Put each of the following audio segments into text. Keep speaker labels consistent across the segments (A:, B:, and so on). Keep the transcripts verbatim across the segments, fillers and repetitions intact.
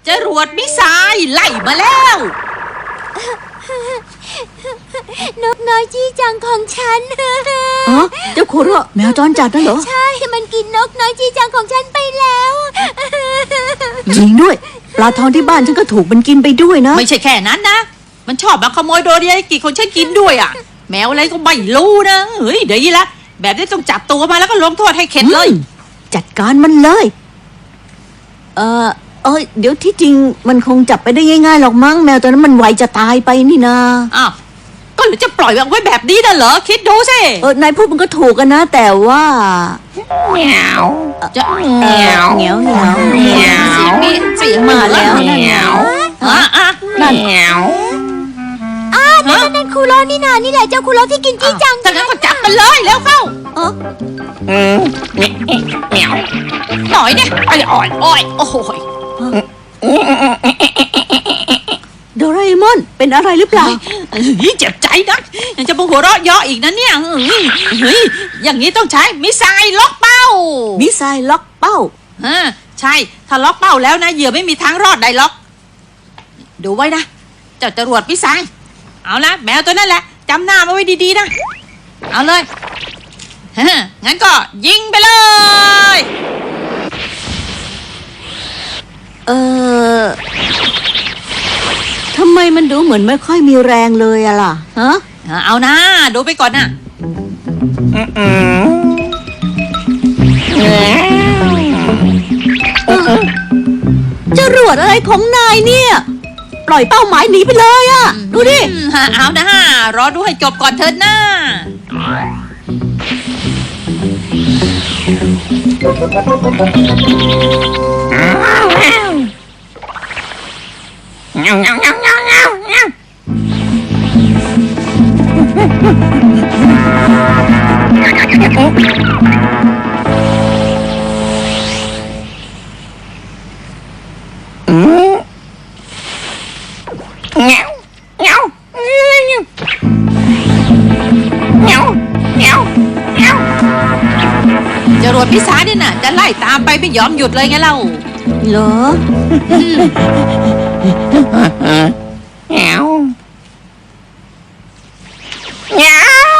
A: จรวดมิสไซล์ไล่มาแล้ว
B: นกน้อยจี้จังของฉัน
C: อ๋อเจ้าโคโร่แมวจรจัดนั่นเหรอ
B: ใช่มันกินนกน้อยจี้จังของฉันไปแล้ว
C: จริงด้วยปลาทองที่บ้านฉันก็ถูกมันกินไปด้วยนะ
A: ไม่ใช่แค่นั้นนะมันชอบมาขโมยโดเรยากิของฉันกินด้วยอ่ะแมวอะไรก็ไม่รู้นะเฮ้ยเดี๋ยวนี้ละแบบนี้ต้องจับตัวมาแล้วก็ลงโทษให้เข็ดเลย
C: จัดการมันเลยเออเอ้ยเดี๋ยวที่จริงมันคงจับไปได้ง่ายๆหรอกมั้งแมวตัวนั้นมันไวจะตายไปนี่นา
A: อ้าวก็หรือจะปล่อยไว้แบบนี้น่ะเหรอคิดดูสิ
C: เออนายพูดมันก็ถูกกันนะแต่ว่า
A: เหนียวจะ
C: เหนียวเหนียวเหนียวเหนียว
A: เสียงนี่เสียง
C: มาแล้ว
A: เหนียวอ่ะอ่ะเหนียว
B: อ่ะนั่นนั่นคูโรนี่นานี่แหละเจ้าคูโรที่กินจี้จัง
A: ถ้างั้นก็จับมันเลยแล้วเข้า
C: เออ
A: อืมเหนียวหน่อยเนี่ยอ่อยอ่อยอ่อยโอ้โห
C: โดราเอมอนเป็นอะไรหรือเปล่า
A: เจ็บใจนะยังจะมาหัวเราะเยาะอีกนะเนี่ยเฮ้ยอย่างนี้ต้องใช้มิสไซล์ล็อกเป้า
C: มิสไซล์ล็อกเป้า
A: อ่าใช่ถ้าล็อกเป้าแล้วนะเหยื่อไม่มีทางรอดได้ล็อกดูไว้นะเจ้าจรวดมิสไซล์เอาละแมวตัวนั่นแหละจำหน้ามาไว้ดีๆนะเอาเลยงั้นก็ยิงไปเลย
C: เออทำไมมันดูเหมือนไม่ค่อยมีแรงเลยอะล่ะฮะ
A: เอานะดูไปก่อนนะ
C: จรวดอะไรของนายเนี่ยปล่อยเป้าหมายหนีไปเลยอะดูดิ
A: เอานะรอดูให้จบก่อนเถิดนะเงาเงาเงาเงาเงาเงาอืมเงาเงาเงาเงาเงาจรวดพิซซ่าเนี่ยน่ะจะไล่ตามไปไม่ยอมหยุดเลยไงเล่า
C: เหรอ
A: เงาเงา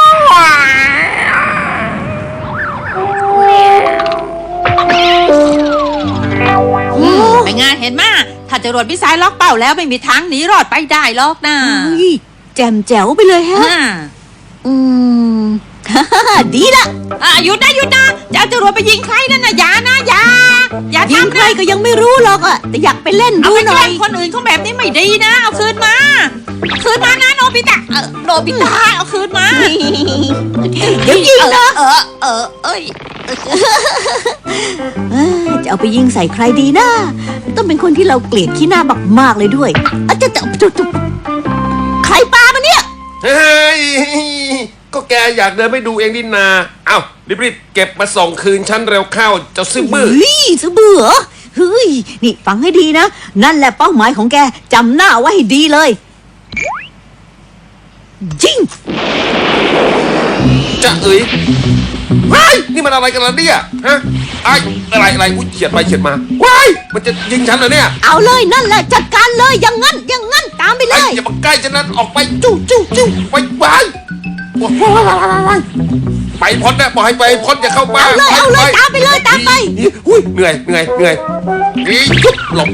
A: เป็นไงเห็นไหมถ้าจรวดพิซซ่าล็อกเป้าแล้วไม่มีทางหนีรอดไปได้หรอกนะ
C: แจ่มแจ๋วไปเลยฮะอืมดีละ
A: อ่ะหยุดนะหยุดนะจะเอาจรวดไปยิงใครนั่นนะอย่านะอย่าอย่า
C: ยิงใครก็ยังไม่รู้หรอกอ่ะแต่อยากไปเล่นดูหน่อย
A: คนอื่นเขาแบบนี้ไม่ดีนะเอาคืนมาคืนมานะโนบิตะเออโนบิตะเอาคืนมา
C: เดี๋ยวยิงนะ
A: เออเออเอ้ย
C: จะเอาไปยิงใส่ใครดีนะต้องเป็นคนที่เราเกลียดขี้หน้ามากๆเลยด้วยอาจจะจุดใครปามาเนี่ย
D: เฮ้ยก็แกอยากเดินไปดูเองดินาเอ้ารีบๆเก็บมาส่งคืนฉันเร็วเข้าเจ้าซื่อบื้อ
C: เฮ้ยซื่อบื้อเหรอเฮ้ยนี่ฟังให้ดีนะนั่นแหละเป้าหมายของแกจำหน้าไว้ให้ดีเลยยิง
D: จะเอ๋ยว้ายนี่มันอะไรกันล่ะเนี่ยฮะไอ้อะไรอะไรอุ้ยเฉียดไปเฉียดมาว้ายมันจะยิงฉันเหรอเนี่ย
C: เอาเลยนั่นแหละจัดการเลยอย่างงั้นอย่างงั้นตามไปเลย
D: อย่ามาใกล้ฉันนะออกไปจู้จู้จู้ไปไปไปพ้นนะบอกให้ไปพ้นอย่าเข้ามา
C: เอาเลยเอาเลยตามไปเลยตามไป
D: อุ้ยเหนื่อยเหนื่อยเหนื่อยนี่ยุบหลบ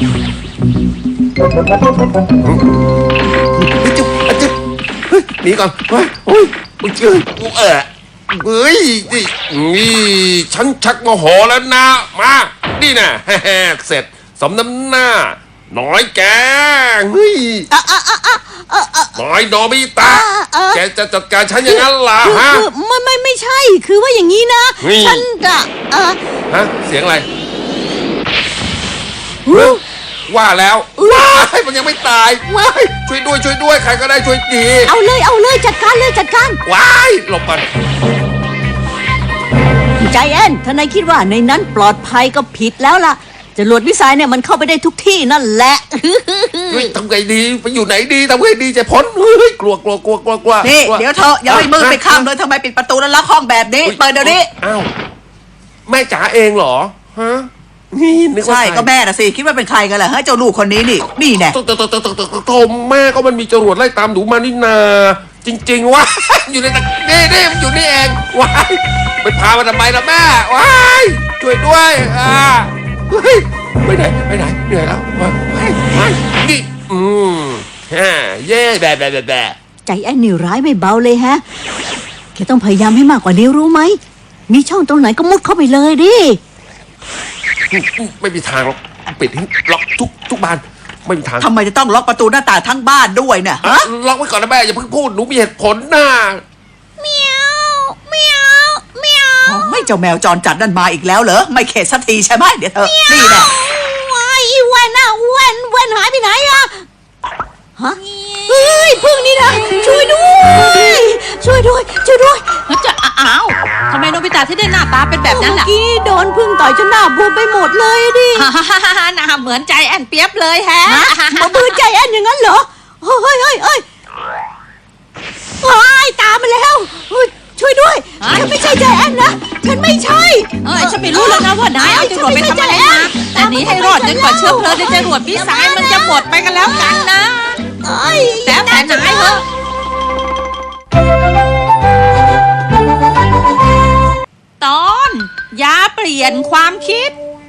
D: จุ๊บจุ๊บหนีก่อนเฮ้ยโอ้ยมึงเจอกูเออเฮ้ยนี่นี่ฉันชักโมโหแล้วนะมานี่นะเสร็จสมน้ำหน้าน้อยแกเฮ้ยน้อยโนบิตะแกจะจัดการฉันอย่างนั้นล่ะฮะ
C: ไม่ไม่ไม่ใช่คือว่าอย่างนี้นะฉันจะ
D: ฮะเสียงอะไรว่าแล้วว้ายมันยังไม่ตายว้ายช่วยด้วยช่วยด้วยใครก็ได้ช่วยที
C: เอาเลยเอาเลยจัดการเลยจัดการ
D: ว้ายหลบก่อน
C: ใจแอนถ้านายคิดว่าในนั้นปลอดภัยก็ผิดแล้วล่ะจรวดมิสไซล์เนี่ยมันเข้าไปได้ทุกที่นั่นแหละ
D: เฮ้ยทำไงดีไปอยู่ไหนดีทำไงดีจะพ้นเฮ้ยกลัวกลัวกลัวกลัวกลัว
A: นี่เดี๋ยวเธออย่าให้มือไปข้ามเลยทำไมปิดประตูแล้วล็อกห้องแบบนี้เปิดเดี๋ยวนี้
D: อ้าวแม่จ๋าเองเหรอฮะนี่นึกว่า
E: ใช่
D: ใคร
E: ก็แม่น่ะสิคิดว่าเป็นใครกันล่ะเฮ้ยเจ้าลูกคนนี้นี่นี่แน่
D: โตโตโตโตโตโตโตแม่ก็มันมีจรวดไล่ตามหนูมานี่นาจริงๆวะ อยู่ในตะนี่นี่มันอยู่นี่เองว้ายไปพามาทำไมล่ะแม่ว้ายช่วยด้วยอ่าเฮ้ยไปไหนไปไหนเหนื่อยแล้วว้ายว้ายว้ายนี่อืมฮ่าเย่แบะแบะแบะแบะ
C: ใจแอนนี่ร้ายไม่เบาเลยฮะแกต้องพยายามให้มากกว่านี้รู้ไหมมีช่องตรงไหนก็มุดเข้าไปเลยดิ
D: ไม่มีทางหรอกปิดให้ล็อกทุกทุกบานไม่มีทาง
E: ทำไมจะต้องล็อกประตูหน้าต่างทั้งบ้านด้วยเนี่ย
D: อ่ะ
E: ฮะ
D: ล็อกไว้ก่อนนะแม่อย่าเพิ่งพูดหนูมีเหตุผลนะ
B: เมียวเมียวเมียว
E: อ๋อไม่เจ้าแมวจรจัดนั่นมาอีกแล้วเหรอไม่เข็ดสักทีใช่ไหมเดี๋ยวเธอนี่แหละ
B: ว้ายอีแวนน่ะแวนแวนหายไปไหนอะ
C: ฮะเฮ้ยพึ่งนี่นะช่วยด้วยช่วยด้วยช่วยด้วย
A: แล้วจะอ้าวทำไมโนบิตะที่ได้หน้าตาเป็นแบบนั้นล่ะ
C: เมื่อกี้โดนพึ่งต่อยจนหน้าบวมไปหมดเลยดิ
A: หน้าเหมือนใจแอนเปียบเลยแฮะ
C: มาบืนใจแอนอย่างนั้นเหรอเฮ้ยเฮ้ยเฮ้ยเฮ้ยว้ายตามมาแล้วเฮ้ยช่วยด้วยฉันไม่ใช่ใจแอนนะฉันไม่ใช่
A: เอ้ยฉันไม่รู้แล้วนะว่านายเอาจรวดไปทำอะไรมาแต่หนี้ให้รอดจนกว่าเชื้อเพลิงในจรวดพี่สายมันจะหมดไปกันแล้วกันนะ
C: เอ้ย
A: แต่แต่นายเหรอตอนยาเปลี่ยนความคิด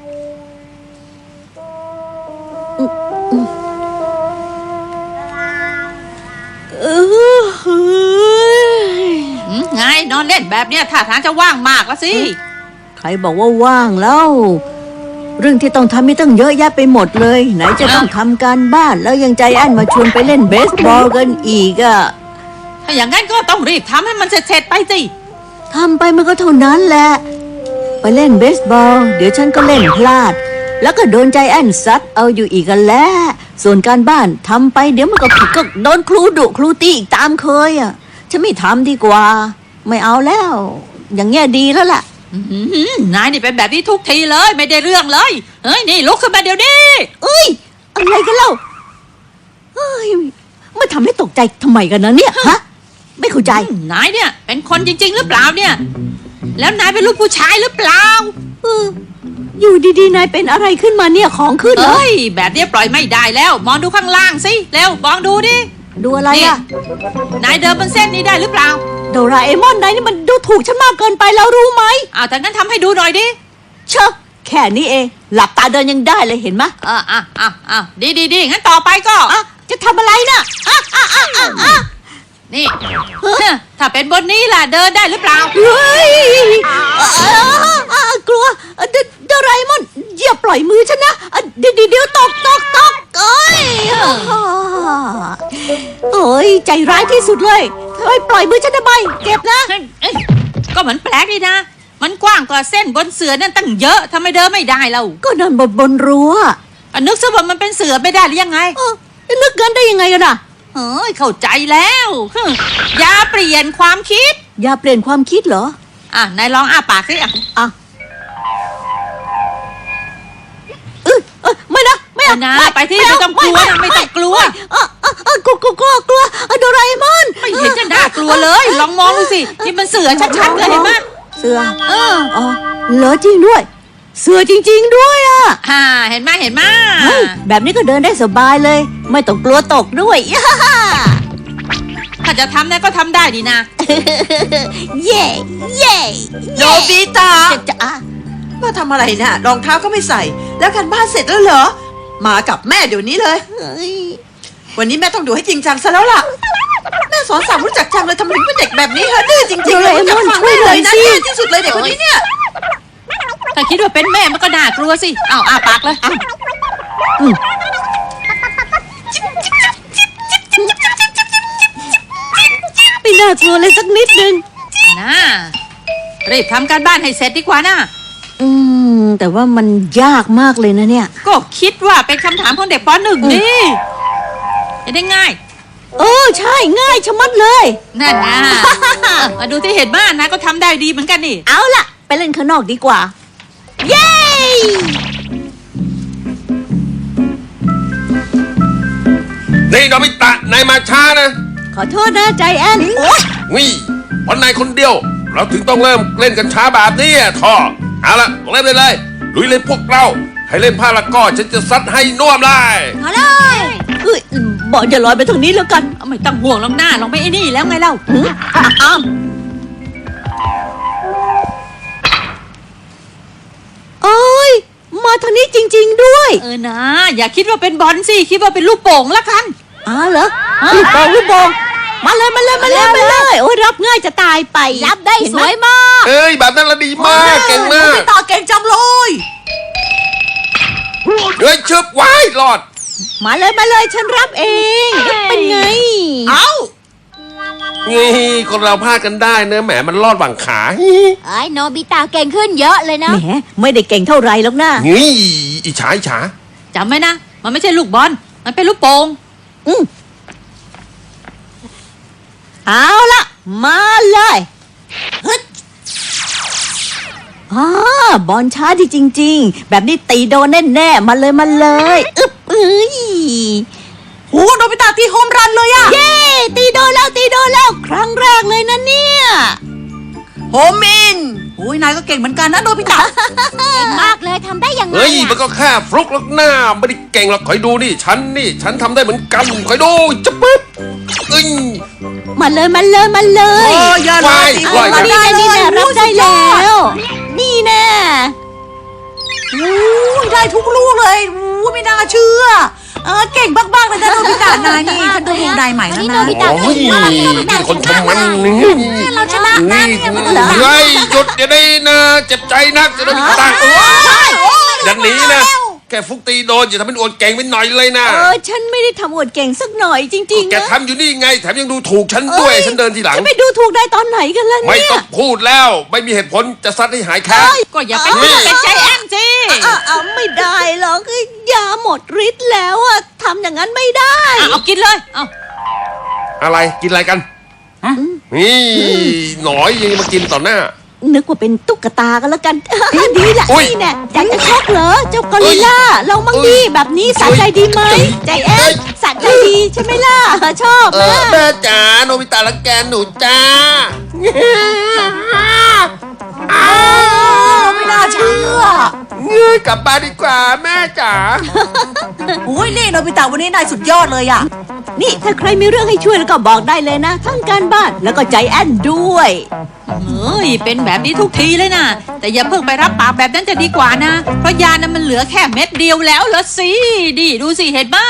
C: เออเฮ้ย
A: อืมไงนอนเล่นแบบเนี้ยท่าทางจะว่างมากแล้วสิ
C: ใครบอกว่าว่างแล้ว เรื่องที่ต้องทำมีตั้งเยอะแยะไปหมดเลย ไหนจะต้องทำการบ้านแล้วยังใจแอนมาชวนไปเล่นเบสบอลกันอีกอะ
A: ถ้าอย่างนั้นก็ต้องรีบทำให้มันเสร็จๆไปสิ
C: ทำไปมันก็เท่านั้นแหละ ไปเล่นเบสบอล เดี๋ยวฉันก็เล่นพลาด แล้วก็โดนใจแอนซัดเอาอยู่อีกกันแล้ว ส่วนการบ้านทำไปเดี๋ยวมันก็ผิดก็โดนครูดุครูตีอีกตามเคยอะฉันไม่ทำดีกว่า ไม่เอาแล้ว อย่างเงี้ยดีแล้วล่ะ
A: อื้อหือนายนี่เป็นแบบนี้ทุกทีเลยไม่ได้เรื่องเลย เฮ้ยนี่ลุกขึ้นมาเดี๋ยวนี้
C: เอ้ยอะไรกันเล่าเฮ้ยมาทำให้ตกใจทำไมกันนะเนี่ยฮะไม่เข้าใจ
A: อืมนายเนี่ยเป็นคนจริง ๆ หรือเปล่าเนี่ย แล้วนายเป็นลูกผู้ชายหรือเปล่า
C: เอออยู่ดีๆนายเป็นอะไรขึ้นมาเนี่ยของขึ้นเหรอ
A: เอ้ยแบบนี้ปล่อยไม่ได้แล้ว มองดูข้างล่างสิเร็วมองดูดิ
C: ดูอะไรอะ
A: นายเดินบนเส้นนี้ได้หรือเปล่า
C: โดราเอมอนนายนี่มันดูถูกฉันมากเกินไปแล้วรู้ไหม
A: อ้าวถ้างั้นทำให้ดูหน่อยดิ
C: เชอะแค่นี้เอง หลับตาเดินยังได้เลยเห็นไหม
A: อ่าอ่าอ่าอ่าดีดีดีงั้นต่อไปก็
C: อ่ะจะทำอะไรน่ะอ่ะอ่ะอ่ะอ่ะอ่ะ
A: นี่ถ้าเป็นบนนี้ล่ะเดินได้หรือเปล่า
C: เฮ้ยอ่ะอ่ะอ่ะกลัวอ่ะโดโดราเอมอนอย่าปล่อยมือฉันนะอ่ะเดี๋ยวเดี๋ยวเดี๋ยวตกตกตกเอ้ยอ่ะโอ้ยใจร้ายที่สุดเลยทำไมปล่อยมือฉันทำไมเจ็บนะ
A: เอ้ยเอ้ยก็เหมือนแปลกดีนะ มันกว้างกว่าเส้นบนเสือนั่นตั้งเยอะทำไมเดินไม่ได้เรา
C: ก็นอนบนบนรั้ว
A: อ่ะนึกซะว่ามันเป็นเสือไม่ได้หรือยังไง
C: เออนึกกันได้ยังไงกันอ่ะ
A: เฮ้ยเข้าใจแล้วฮึอย่าเปลี่ยนความคิด
C: อย่าเปลี่ยนความคิดเหรอ
A: อ่ะนายลองอ้าปากสิอ่ะ
C: อ่ะเออเออไม่นะไม่
A: เอา
C: เอา
A: นะไปที่ไม่ต้องกลัวนะไม่ต้องกลัว
C: เออเออเออกลัวกลัวกลัวกลัวเออโดราเอมอน
A: ไม่เห็นจะน่ากลัวเลย ลองมองดูสินี่มันเสือชัดๆเลยเห็นไหม
C: เสือ
A: เออ
C: อ๋อเหรอจริงด้วย เสือจริง ๆ ด้วยอ่ะ
A: ฮ่าเห็นไหมเห็นไหม
C: เฮ้ยแบบนี้ก็เดินได้สบายเลย ไม่ต้องกลัวตกด้วย
A: ถ้าจะทำนะก็ทำได้ดีนะ
C: เย่เย่
E: โนบิตะ
C: จะจะอ่ะ
E: มาทำอะไรน่ะรองเท้าก็ไม่ใส่ แล้วกันบ้านเสร็จแล้วเหรอมากับแม่เดี๋ยวนี้เลย
C: เฮ้ย
E: วันนี้แม่ต้องดูให้จริงจังซะแล้วล่ะแม่สอนสั่งรู้จักจังเลยทำไมถึงเป็นเด็กแบบนี้ฮะดื้อจริงๆเลยรู้จักฟังแม่เลยนะแย่ที่สุดเลยเด็กคนนี้เนี่ย
A: ถ้าคิดว่าเป็นแม่มันก็น่ากลัวสิเอาอ้าปากเลย
C: ไม่น่ากลัวเลยสักนิดนึง
A: นะรีบทำการบ้านให้เสร็จดีกว่านะ
C: อืม แต่ว่ามันยากมากเลยนะเนี่ย
A: ก็คิดว่าเป็นคำถามของเด็กปหนึ่งนี่จะได้ง่าย
C: เออใช่ง่ายชะมัดเลย
A: นั่นนะมาดูที่เห็นบ้านนะก็ทำได้ดีเหมือนกันนี่
C: เอาล่ะ ไปเล่นข้างนอกดีกว่า เย้
D: นี่โนบิตะนายมาช้านะ
C: ขอโทษนะใจแอน
E: โอ๊ย
D: วิวันนายคนเดียว เราถึงต้องเริ่มเล่นกันช้าแบบนี้อะท่อเอาละเริ่มเลยเลยลุยเลยพวกเราให้เล่นผ้าละก็ฉันจะซัดให้น่วมเลย
B: มาเลย
C: เอ้ยบอลจะลอยไปทางนี้แล้วกัน
A: ไม่ต้องห่วงหรอกหน้าลองไม่ไอ้นี่แล้วไงเล่าอ้าว
C: เอ้ยมาทางนี้จริง ๆด้วย
A: เออนะ อย่าคิดว่าเป็นบอลสิคิดว่าเป็นลูกโป่งละกัน
C: อ้าวเหรอลูกโป่งลูกโป่งมาเลยมาเลยมาเลยมาเลยโอ้ยรับง่ายจะตายไป
B: รับได้
C: เห็น
B: ส
C: ไหม
B: วยมาก
D: เอ้ยแบบนั้นละดีมากเก่งมาก
E: ต่อเก่งจังเลย
D: เฮ้ยชึบว้ายรอด
C: มาเลยมาเลยฉันรับเองเป็นไง
E: เอ้า
D: นี่คนเราพลาดกันได้เนอะแหมมันรอดหวังขา
B: ไอ้โนบิตะเก่งขึ้นเยอะเลยนะ
C: แหมไม่ได้เก่งเท่าไรหรอกนะ
D: นี่อิจฉาอิจฉา
A: จำไว้นะ มันไม่ใช่ลูกบอล มันเป็นลูกโป่ง
C: อืมเอาละมาเลยฮึดอ่าบอลช้าดีจริง ๆ แบบนี้ตีโดนแน่ๆมาเลยมาเลยอึ๊บเอ้ย
E: โอ้โนบิตะตีโฮมรันเลยอะ
C: เย้ตีโดนแล้วตีโดนแล้ว ครั้งแรกเลยนะเนี่ย
E: โฮมินโอ้ยนายก็เก่งเหมือนกันนะโนบิตะ
B: เก่งมากเลยทำได้ยังไง
D: เฮ้ยมัน
B: อะ
D: ก็แค่ฟลุกลักหน้าไม่ได้เก่งหรอกคอยดูนี่ฉันนี่ฉันทำได้เหมือนกันคอยดูจะปึ๊บเอ้ย
C: มาเลยมาเลยมาเล
E: โอ้
C: ย
E: ยอย่าเลยตีโฮมรัน
C: นี่
E: ได้
C: แน่
E: เล
C: นี่
E: ย
C: แน่รับได้แล้ว นี่แน่
E: โอ้ยได้ทุกลูกเลยโอ้ยไม่น่าเชื่อเออเก่งบ้างๆเลยนะโนบิตะนายนี่ฉันดูดวงได้ใหม่แล้วนะ
D: โอ้ยนี่คนทำมันนี่
B: เราชนะนะ
D: นี่
B: เนี่ยมันเหรอ
D: เฮ้ยหยุดอย่าได้นะเจ็บใจนักจะได้ไม่ตังอย่างนี้นะแค่ฟุกตีโดนอย่าทำเป็นอวดเก่งไปหน่อยเลยนะ
C: เออฉันไม่ได้ทำอวดเก่งสักหน่อยจริงๆ
D: แก
C: นะ
D: ทำอยู่นี่ไงแถมยังดูถูกฉันด้วยฉันเดินทีหลัง
C: จะไปดูถูกได้ตอนไหนกันล่ะ
D: ไม่
C: เนี่ย
D: ต้องพูดแล้วไม่มีเหตุผลจะซัดให้หายแค้น
A: ก็อย่าไปพูดเป็นใจแอนสิ
C: อ่ะเอาไม่ได้หรอกยาหมดฤทธิ์แล้วอะทำอย่างนั้นไม่ได้
A: อ่ะเอากินเลย เอา
D: อะไรกินอะไรกันนี่หนอยยังมากินต่อหน้า
C: นึกว่าเป็นตุ๊กตากันแล้วกัน ดีละ
D: อุ๊ย
C: นี่แน่อยากจะชกเหรอเจ้ากอริลล่าลองมั่ง
D: อุ๊
C: ดี
D: ย
C: แบบนี้สะใจดีไหมใจแอ
D: เอ้
C: น
D: ย
C: สะใจดีใช่ไหมล่ะชอบ
D: เอ
C: นะ
D: อแม่จ๋าโนบิตะรังแกหนูจ้า
E: ไม่น่าเชื่อ
D: เงยกลับบ้านดีกว่าแม่จ๋า
E: โอ้ยนี่โนบิตะวันนี้นายสุดยอดเลยอะ
C: นี่ถ้าใครมีเรื่องให้ช่วยแล้วก็บอกได้เลยนะ ทั้งการบ้านแล้วก็ใจแอนด้วย
A: เฮ้ย เป็นแบบนี้ทุกทีเลยนะ แต่อย่าเพิ่งไปรับปากแบบนั้นจะดีกว่านะ เพราะยานั้นมันเหลือแค่เม็ดเดียวแล้วละสิ ดิดูสิเห็นป่ะ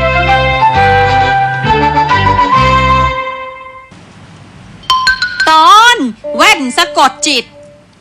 A: ตอนแว่นสะกดจิต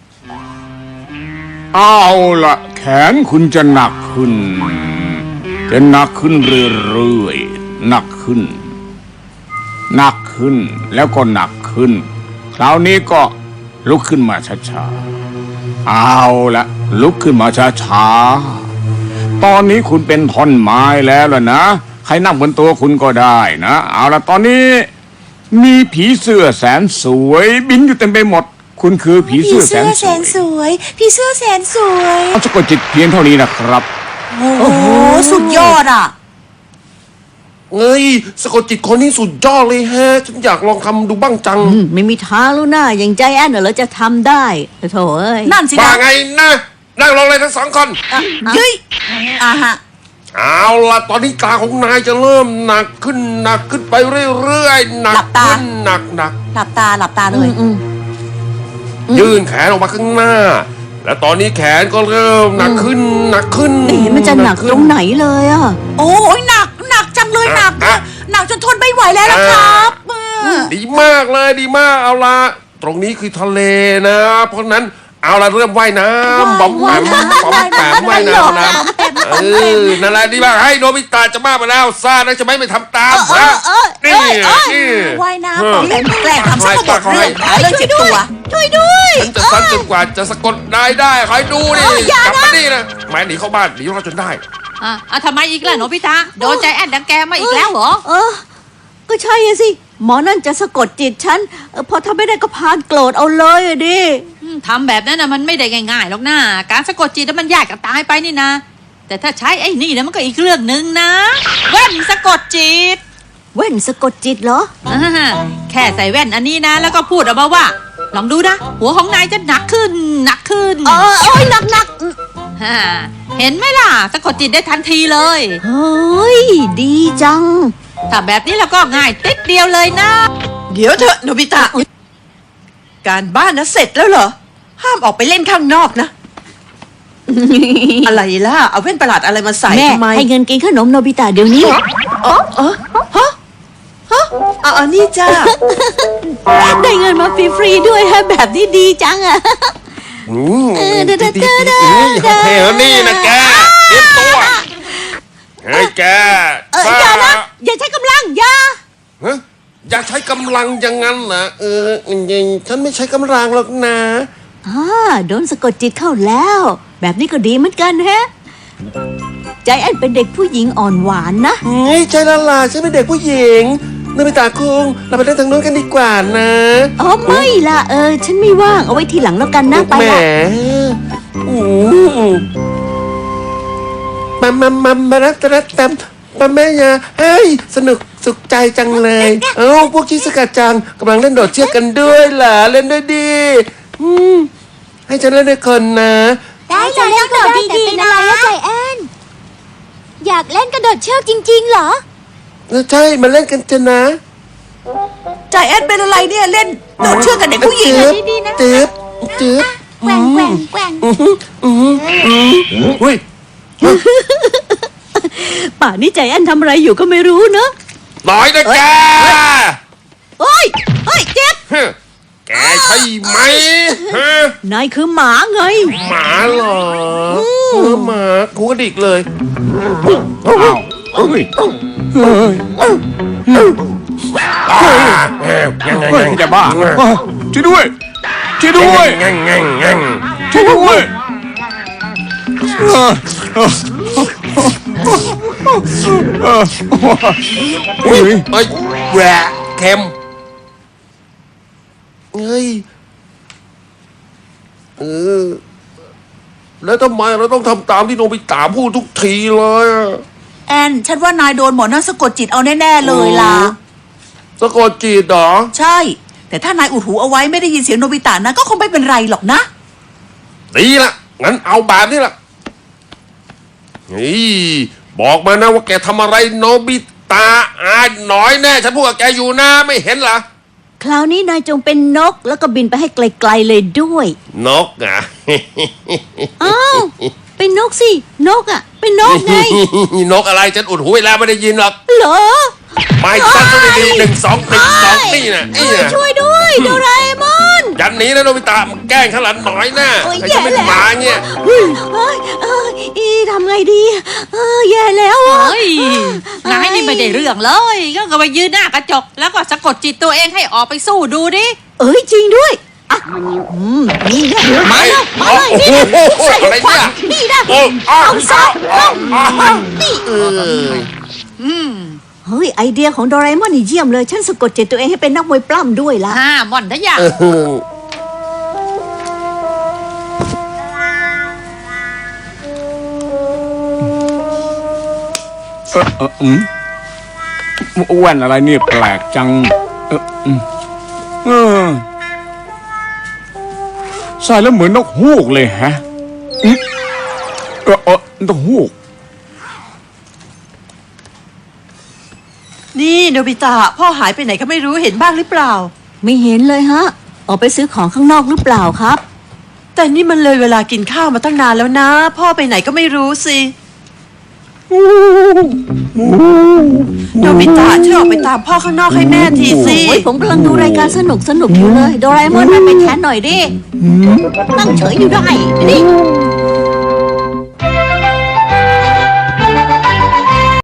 F: เอาละแขนคุณจะหนักขึ้น จะหนักขึ้นเรื่อยๆหนักขึ้น หนักขึ้นแล้วก็หนักขึ้น คราวนี้ก็ลุกขึ้นมาช้าๆเอาละลุกขึ้นมาช้าๆตอนนี้คุณเป็นท่อนไม้แล้วล่ะนะใครนั่งบนตัวคุณก็ได้นะเอาละตอนนี้มีผีเสื้อแสนสวยบินอยู่เต็มไปหมด คุณคือผีเสื้อแสนสวย
E: ยพี่เสื้อแสนสวย
F: เอาสะกดจิตเพียงเท่านี้นะครับ
E: โอ้โหสุดยอดอ่ะ
D: เอ้ยสะกดจิตคนนี้สุดยอดเลยฮะฉันอยากลองทำดูบ้างจัง
C: อืมไม่มีทางแล้วนะอย่างใจแอนน่ะเหรอจะทำได้โถเอ้ย
E: นั่นสิ
D: ว่า
E: นะ
D: ไงนะนั่งลงเลยทั้งสองคน
E: เย้ยอ่ะฮะ
D: เอาล่ะตอนนี้ตาของนายจะเริ่มหนักขึ้นหนักขึ้นไปเรื่อยๆหนักขึ้นหนักหนัก
E: หลับตาหลับตาเลย
C: อืม
D: ยื่นแขนออกมาข้างหน้า และตอนนี้แขนก็เริ่มหนักขึ้นหนักขึ้น
C: ไม่เห็นมันจะหนักตรงไหนเลยอ่ะ
E: โอ้ยหนักหนักจังเลยหนักนะหนักจนทนไม่ไหวแล้วล่ะครับเออ
D: ดีมากเลยดีมากเอาละตรงนี้คือทะเลนะ เพราะนั้นเอาละเริ่มว่ายน้ำบอมแปมบอมแปมว่ายน้ำนะเออนั่นแหละดีมากให้โนบิตะจะบ้าไปแล้วซ่านะจะไม่ไปทำตามนะนี่นี่
E: ว่ายน้ำปอมแปมแกล้งทำซะก็หมดเรื่องหาเรื่องเจ็บตัว
C: ช่วยด้วย
D: ฉันจะซัดจนกว่าจะสะกดนายได้คอยดูนี่กลับมานี่นะหมายหนีเข้าบ้านหนีเราจนได้
A: อ่ะอ่ะทำไมอีกล่ะโนบิตะโดนใจแอนดังแกมาอีกแล้วเหรอ
C: เออ ก็ใช่อะสิ หมอนั่นจะสะกดจิตฉันเออพอทำไม่ได้ก็พานโกรธเอาเลยอะดิ
A: อืมทำแบบนั้นนะมันไม่ได้ง่ายๆหรอกนะการสะกดจิตน่ะมันยากกับตายไปนี่นะ แต่ถ้าใช้ไอ้นี่นะมันก็อีกเรื่องหนึ่งนะแว่นสะกดจิต
C: แว่นสะกดจิตเหรอ
A: อ่าแค่ใส่แว่นอันนี้นะ แล้วก็พูดออกมาว่า ลองดูนะ หัวของนายจะหนักขึ้นหนักขึ้น
C: เออโอ้ยหนักหนัก
A: ฮ่าเห็นไหมล่ะสะกดจิตได้ทันทีเลย
C: เฮ้ย ดีจัง
A: ถ้าแบบนี้แล้วก็ง่ายติดเดียวเลยนะ
E: เดี๋ยวเถอะโนบิตะ การบ้านนะเสร็จแล้วเหรอ ห้ามออกไปเล่นข้างนอกนะ อะไรล่ะ เอาแว่นประหลาดอะไรมาใส่
C: แม่
E: ทำไม
C: ให้เงินกินขนมโนบิตะเดี๋ยวนี้
E: อ๋ออ๋อฮะฮะเอาอันนี้จ้า
C: ได้เงินมาฟรีๆด้วยฮะแบบนี้ดีจังอะ
D: อืม
C: เออเด้อเด้อเด้อ
D: ดีๆๆเฮ้ยนี่นะแกเตรียมตัวเฮ้ยแก
C: เอออย่านะ อย่าใช้กำลังอย่า
D: ฮะอยากใช้กำลังอย่างนั้นเหรอเออจริงๆฉันไม่ใช้กำลังหรอกนะ
C: อ่าโดนสะกดจิตเข้าแล้ว แบบนี้ก็ดีเหมือนกันแฮะ ใจแอนเป็นเด็กผู้หญิงอ่อนหวานนะ
D: เฮ้ยใจละลายฉันเป็นเด็กผู้หญิงโนบิตะคุงเราไปเล่นทางโน้นกันดีกว่านะ
C: อ๋อไม่ล่ะเออ ฉันไม่ว่างเอาไว้ทีหลังแล้วกันนะไป
D: แหม
C: ละ
D: อืมมามามามารักตะรักตำมาแม่ยาเฮ้ยสนุกสุขใจจังเลย เอ้าพวกชิสกาจังกำลังเล่นโดดเชือกกันด้วยเหรอเล่นด้วยดีอืมให้ฉันเล่นด้วยคนนะ
B: ได้เลยเล่นกระโดดดีๆนะใจแอนอยากเล่นกระโดดเชือกจริงๆเหรอ
D: ใช่มาเล่นกันเถอะนะ
E: ใจแอนเป็นอะไรเนี่ยเล่นโดดเชือกกับเด็กผู้หญิง
D: จืบ
B: ดีๆนะ
D: จืบจืบ
B: แกว่งแกว่งแกว่ง
D: เฮ้ย
C: ป่านนี้ใจแอนทำอะไรอยู่ก็ไม่รู้เนอะ
D: น้อยนะแก
C: โอ้ยเฮ้ยเจ็บ
D: ฮะแกใช่ไหมฮะ
C: นายคือหมาไง
D: หมาเหรอเออหมากูกระดิกเลย
F: อ้าวเฮ้ยเฮ้ย
D: ยังไง
F: เฮ้ยจะบ้าช่วยด้วยช่วยด้วย
D: ยังไงยัง
F: ช่วยด้วยเออเออเออเฮ้ย
D: เอ้ยแหวะเค็มเฮ้ยเออแล้วทำไมเราต้องทำตามที่โนบิตะพูดทุกทีเลยอะ
E: แอนฉันว่านายโดนหมอนั่นสะกดจิตเอาแน่ๆเลยล่ะ
D: สะกดจิตเหรอ
E: ใช่ แต่ถ้านายอุดหูเอาไว้ไม่ได้ยินเสียงโนบิตะนะก็คงไม่เป็นไรหรอกนะ
D: ดีละงั้นเอาแบบนี้ละเฮ้ยบอกมานะว่าแกทำอะไรโนบิตะอ่านหน่อยแน่ฉันพูดกับแกอยู่นะไม่เห็นเหรอ
C: คราวนี้นายจงเป็นนกแล้วก็บินไปให้ไกลๆเลยด้วย
D: นกอ่ะ
C: อ้าว เป็นนกสิ นกอ่ะ เป็นนกไง
D: นกอะไรฉันอุดหูไว้แล้วไม่ได้ยินหรอก
C: เหรอ
D: ไม่สั้นต้องดีๆหนึ่งสองหนึ่งสองนี่นะนี่นะ
C: ช่วยด้วยโดราเอมอน
D: ยันนี้นะโนบิตะมันแกล้งข้างหลังหน่อยนะ
C: โอ้ย
D: ไอ้ฉันเป็น
C: แย่แล้ว
D: หมาเนี่ย
C: เฮ้ยเฮ้ยเอ้ยอีทำไงดีเออแย่แล้วอ่ะ
A: เฮ้ยนายนี่ไม่ได้เรื่องเลยก็ก็ไปยืนหน้ากระจก แล้วก็สะกดจิตตัวเองให้ออกไปสู้ดูดิ
C: เอ้ยจริงด้วยอ่ะอืมนี่นะมาแล้วมาเลย
D: โอ้
C: นี่
D: โห
C: นะใส่
D: อะไร
C: ควั
D: เนี่ย
C: นนี่นะ
D: โอ้อ้าว
C: เอาซะ
D: อ้าวอ้าวอ้าว
C: นี่
D: เออ
C: เฮ้ยไอเดียของโดราเอมอนนี่เยี่ยมเลยฉันสะกดจิตตัวเองให้เป็นนักมวยปล้ำด้วยละ
A: ห้าม่อนทะยะ
D: เออ
F: เออเอออืมแว่นอะไรเนี่ยแปลกจัง เอออืมเออใส่แล้วเหมือนนกฮูกเลยฮะอืมเออเออนกฮูก
E: นี่โนบิตะพ่อหายไปไหนก็ไม่รู้เห็นบ้างหรือเปล่า
C: ไม่เห็นเลยฮะ ออกไปซื้อของข้างนอกหรือเปล่าครับ
E: แต่นี่มันเลยเวลากินข้าวมาตั้งนานแล้วนะ พ่อไปไหนก็ไม่รู้สิโนบิตะช่วยออกไปตามพ่อข้างนอกให้แม่ทีสิ
C: โอ้ยผมกำลังดูรายการสนุกสนุกอยู่เลย โดราเอมอนมาไปแทนหน่อยดิ นั่งเฉยอยู่ได้นี่